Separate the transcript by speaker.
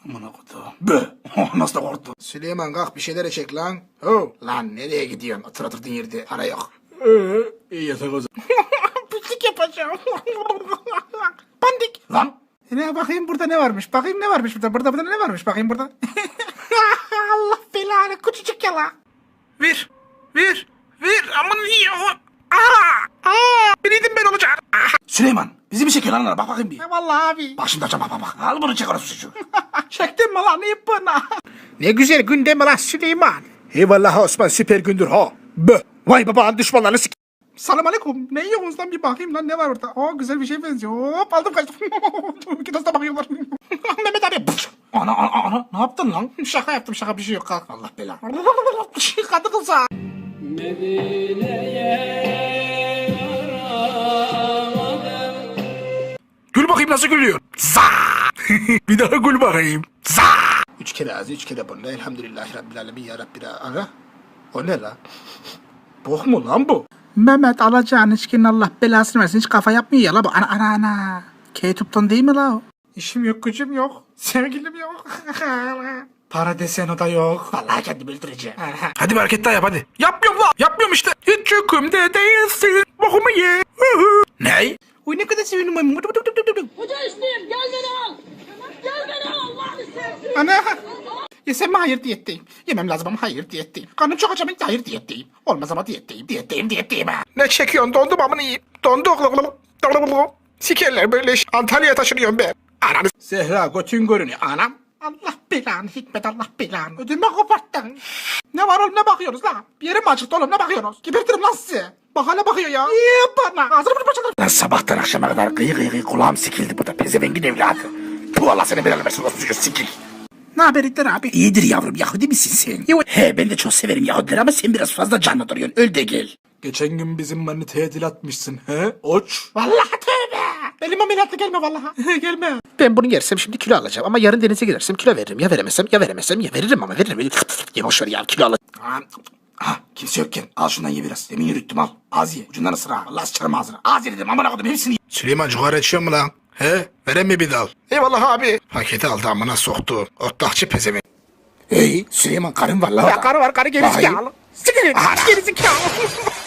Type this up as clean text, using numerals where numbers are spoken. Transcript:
Speaker 1: Amına kodu. Bö. Nasıl da korktu.
Speaker 2: Süleyman kalk bir şeyler çek lan. Ho. Lan nereye gidiyorsun? Otur oturdun yerde. Para yok.
Speaker 1: İyi yatak o zaman.
Speaker 2: Pislik yapacağım. Pandik.
Speaker 1: Lan.
Speaker 2: Ne bakayım burada ne varmış? Bakayım ne varmış burada? Burada ne varmış? Bakayım burada. Allah belanı küçücük yala.
Speaker 1: Ver. Aman iyi. Biriydim ben olacak. Süleyman. Bizi bir çekiyor lan. Bak bakayım bir.
Speaker 2: Vallahi abi.
Speaker 1: Bak şimdi açacağım bak. Al bunu çek orası çocuğu.
Speaker 2: Çektin mi lan ipini? Ne güzel gün değil mi lan Süleyman? Eyvallah Osman süper gündür ha. Bö. Vay babanın düşmanlarını sik. Selam aleyküm. Ne yiyorsunuz lan bir bakayım lan ne var orada? Aa güzel bir şey benziyor. Hop aldım kaçtım. İki da bakıyorlar. Mehmet abi.
Speaker 1: Ana ne yaptın lan?
Speaker 2: Şaka yaptım şaka bir şey yok kalk. Allah belanı. Kadı kıza.
Speaker 1: Gül bakayım nasıl gülüyor. Za. Bir daha gül bakayım. Za.
Speaker 2: 3 kere ağzı 3 kere burnu. Elhamdülillahi Rabbil Alemin ya Rabbi. Ana. O ne la? Bok mu lan bu? Mehmet alacağın içkinin Allah belasını versin. Hiç kafa yapmıyor ya la bu. Ana. K-Tup'tan değil mi la o? İşim yok gücüm yok. Sevgilim yok. Para desen o da yok. Vallahi kendimi öldüreceğim.
Speaker 1: Hadi bir hareket daha yap hadi. Yapmıyorum işte. Hiç yükümde değilsin. Bokumu ye. Ney?
Speaker 2: Uy ne kadar sevindim.
Speaker 3: Hoca isteyeyim gel beni al. Gel beni al Allah'ını seversen.
Speaker 2: Ana. Yesem mi hayır diyetteyim. Yemem lazım ama hayır diyetteyim. Karnım çok acaba hayır diyetteyim. Olmaz ama diyetteyim ha.
Speaker 1: Ne çekiyorsun? Dondum amını yiyeyim. Dondu. Sikerler böyle iş. Antalya'ya taşınıyorum ben. Ananı
Speaker 2: Zehra götün görünüyor anam. Allah belanı Hikmet Allah belanı. Ödümü koparttın. Ne var oğlum ne bakıyorsunuz la? Bir yere mi acıktı oğlum ne bakıyorsunuz? Gebertirim lan sizi. Bak hala bakıyor ya. İyi bana. Ağzını bunu parçalarım.
Speaker 1: Lan sabahtan akşama kadar gıy kulağım sikildi bu da pezevengin evladı. Bu Allah seni belanı versin olsun sikik.
Speaker 2: Ne haber İlter abi?
Speaker 1: İyidir yavrum Yahudi misin sen? He ben de çok severim Yahudileri ama sen biraz fazla canlı duruyorsun. Öl de gel. Geçen gün bizim maniteye dil atmışsın he? Oç.
Speaker 2: Vallahi tövbe. Benim ameliyatla gelme vallahi. Gelme. Ben bunu yersem şimdi kilo alacağım ama yarın denize gidersem kilo veririm. Ya veremezsem ya veririm ama veririm. Ya boş ver ya kilo alacağım.
Speaker 1: Kimse yokken al şundan ye biraz. Demin yürüttüm al. Az ye. Ucundan ısır ha. Allah sıçarım ağzına. Az ye dedim amına koydum hepsini ye. Süleyman cigara içiyor mu lan? He? Veren mi bir dal? Eyvallah abi. Paketi aldı amına soktu. Otlakçı pezevenk. Hey Süleyman karın var la.
Speaker 2: Ya karı var karı gerizekalı.
Speaker 1: Vay.
Speaker 2: Gerizekalı.